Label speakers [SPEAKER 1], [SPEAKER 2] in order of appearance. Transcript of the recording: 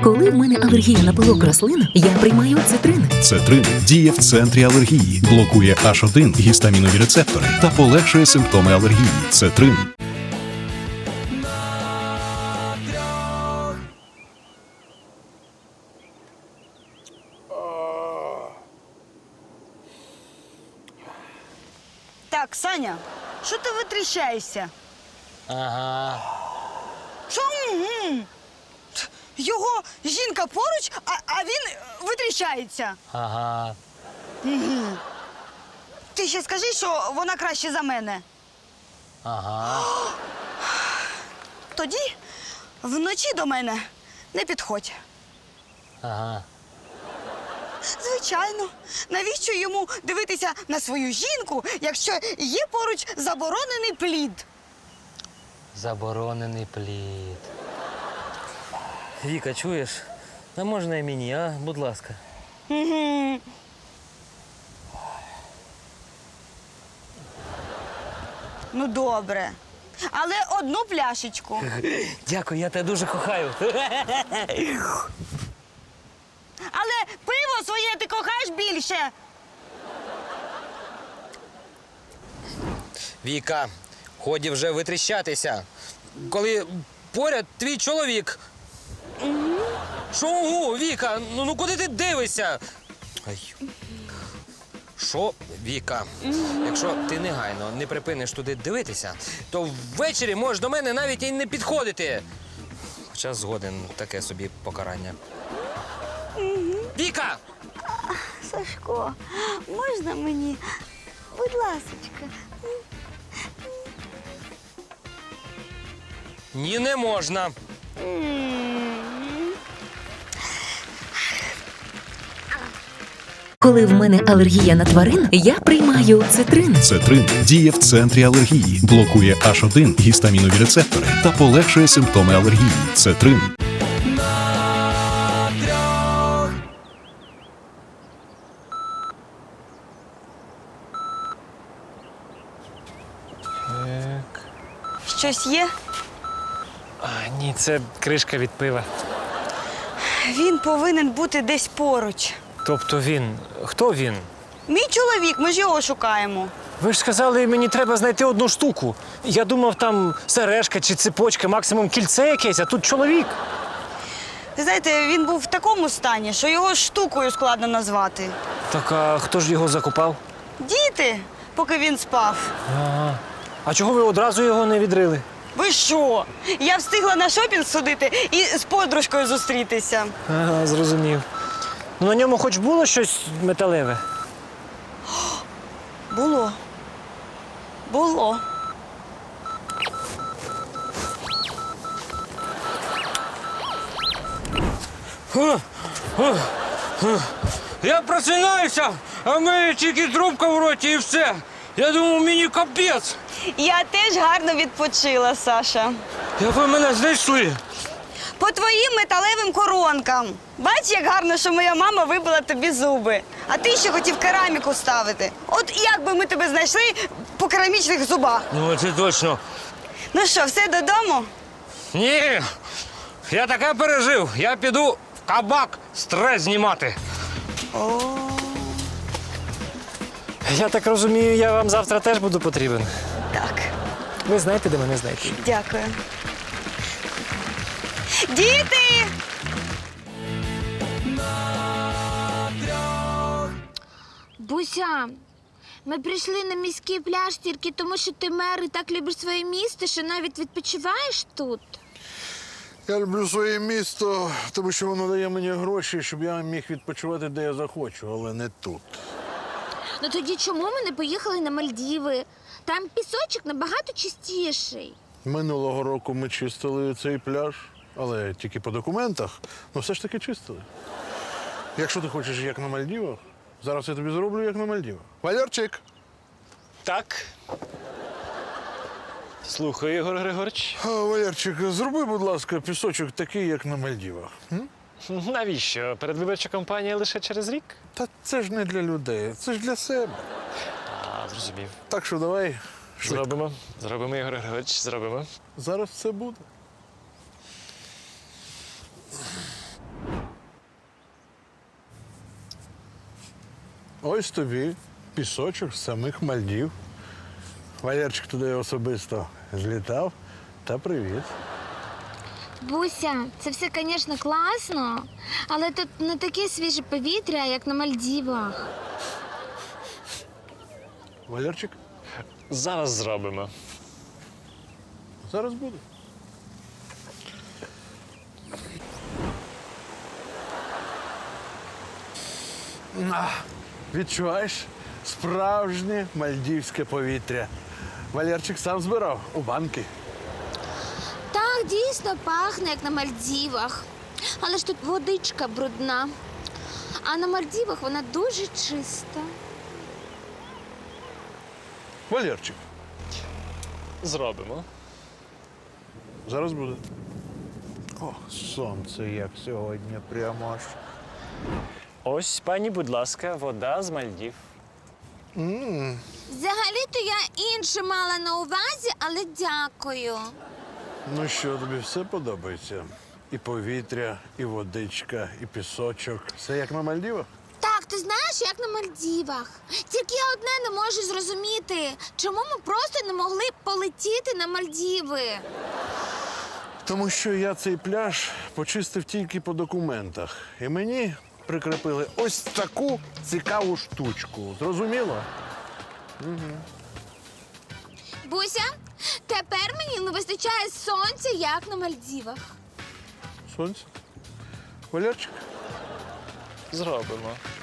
[SPEAKER 1] Коли в мене алергія на пилок рослин, я приймаю цитрин.
[SPEAKER 2] Цетрин діє в центрі алергії, блокує H1 гістамінові рецептори та полегшує симптоми алергії. Цетрин.
[SPEAKER 3] Так, Саня, що ти витріщаєшся?
[SPEAKER 4] Ага.
[SPEAKER 3] Що? Його жінка поруч, а він витріщається.
[SPEAKER 4] Ага.
[SPEAKER 3] Ти ще скажи, що вона краще за мене.
[SPEAKER 4] Ага.
[SPEAKER 3] Тоді вночі до мене не підходь.
[SPEAKER 4] Ага.
[SPEAKER 3] Звичайно. Навіщо йому дивитися на свою жінку, якщо є поруч заборонений плід?
[SPEAKER 4] Заборонений плід. Віка, чуєш? А можна і мені, а? Будь ласка.
[SPEAKER 3] Ну, добре. Але одну пляшечку.
[SPEAKER 4] Дякую, я тебе дуже кохаю.
[SPEAKER 3] Але пиво своє ти кохаєш більше.
[SPEAKER 4] Віка, ході вже витріщатися. Коли поряд твій чоловік. Що, ого, Віка, ну куди ти дивишся? Ай. Що, Віка, якщо ти негайно не припиниш туди дивитися, то ввечері можеш до мене навіть і не підходити. Хоча згоден, таке собі покарання. Віка!
[SPEAKER 3] Сашко, можна мені? Будь ласочка.
[SPEAKER 4] Ні, не можна.
[SPEAKER 1] Коли в мене алергія на тварин, я приймаю цитрин.
[SPEAKER 2] Цетрин діє в центрі алергії, блокує H1 гістамінові рецептори та полегшує симптоми алергії. Цетрин.
[SPEAKER 3] Щось є?
[SPEAKER 5] Ні, це кришка від пива.
[SPEAKER 3] Він повинен бути десь поруч.
[SPEAKER 5] Тобто він. Хто він?
[SPEAKER 3] Мій чоловік, ми ж його шукаємо.
[SPEAKER 5] Ви ж сказали, мені треба знайти одну штуку. Я думав, там сережка чи цепочка, максимум кільце якесь, а тут чоловік.
[SPEAKER 3] Ви знаєте, він був в такому стані, що його штукою складно назвати.
[SPEAKER 5] Так, а хто ж його закопав?
[SPEAKER 3] Діти, поки він спав.
[SPEAKER 5] А чого ви одразу його не відрили?
[SPEAKER 3] Ви що? Я встигла на шопінг сходити і з подружкою зустрітися.
[SPEAKER 5] Ага, зрозумів. Ну, на ньому хоч було щось металеве?
[SPEAKER 3] Було. Було.
[SPEAKER 4] Я просинаюся, а в мене тільки трубка в роті і все. Я думав, мені капець.
[SPEAKER 3] Я теж гарно відпочила, Саша.
[SPEAKER 4] Як ви мене знайшли?
[SPEAKER 3] По твоїм металевим коронкам. Бач, як гарно, що моя мама вибила тобі зуби. А ти ще хотів кераміку ставити. От як би ми тебе знайшли по керамічних зубах?
[SPEAKER 4] Ну, це точно.
[SPEAKER 3] Ну що, все додому?
[SPEAKER 4] Ні, я таке пережив. Я піду в кабак стрес знімати.
[SPEAKER 5] Я так розумію, я вам завтра теж буду потрібен.
[SPEAKER 3] Так,
[SPEAKER 5] Ви знаєте, де мене знайти?
[SPEAKER 3] дякую. Діти!
[SPEAKER 6] Буся, ми прийшли на міський пляж тільки тому, що ти мер і так любиш своє місто, що навіть відпочиваєш тут.
[SPEAKER 7] Я люблю своє місто, тому що воно дає мені гроші, щоб я міг відпочивати, де я захочу, але не тут.
[SPEAKER 6] Ну тоді чому ми не поїхали на Мальдіви? Там пісочок набагато чистіший.
[SPEAKER 7] Минулого року ми чистили цей пляж, але тільки по документах, ну все ж таки чистили. Якщо ти хочеш як на Мальдівах, зараз я тобі зроблю як на Мальдівах. Валерчик!
[SPEAKER 5] Так. Слухаю, Ігор Григорович.
[SPEAKER 7] Валерчик, зроби, будь ласка, пісочок такий, як на Мальдівах.
[SPEAKER 5] Навіщо? Передвиборча кампанія лише через рік?
[SPEAKER 7] Та це ж не для людей, це ж для себе.
[SPEAKER 5] Зрозумів.
[SPEAKER 7] Так що давай швидко.
[SPEAKER 5] Зробимо. Зробимо, Ігор Григорович, зробимо.
[SPEAKER 7] Зараз все буде. Ось тобі пісочок з самих Мальдів. Валерчик туди особисто злітав. Та привіт.
[SPEAKER 6] Буся, це все, звісно, класно, але тут не таке свіже повітря, як на Мальдівах.
[SPEAKER 7] Валерчик,
[SPEAKER 5] Зараз зробимо.
[SPEAKER 7] зараз буде. Відчуваєш справжнє мальдівське повітря. Валерчик сам збирав у банки.
[SPEAKER 6] Так, дійсно пахне, як на Мальдівах. Але ж тут водичка брудна. А на Мальдівах вона дуже чиста.
[SPEAKER 7] Валерчик,
[SPEAKER 5] Зробимо.
[SPEAKER 7] зараз буде. О, сонце як сьогодні прямо аж.
[SPEAKER 5] Ось, пані, будь ласка, вода з Мальдів.
[SPEAKER 6] Взагалі-то я інше мала на увазі, але дякую.
[SPEAKER 7] Ну що, тобі все подобається? І повітря, і водичка, і пісочок. Все як на Мальдівах?
[SPEAKER 6] Так, ти знаєш, як на Мальдівах. Тільки я одне не можу зрозуміти, чому ми просто не могли полетіти на Мальдіви.
[SPEAKER 7] Тому що я цей пляж почистив тільки по документах. І мені прикріпили ось таку цікаву штучку. Зрозуміло?
[SPEAKER 6] Буся, тепер мені не вистачає сонця, як на Мальдівах.
[SPEAKER 7] Сонце. Валерчик,
[SPEAKER 5] Зробимо.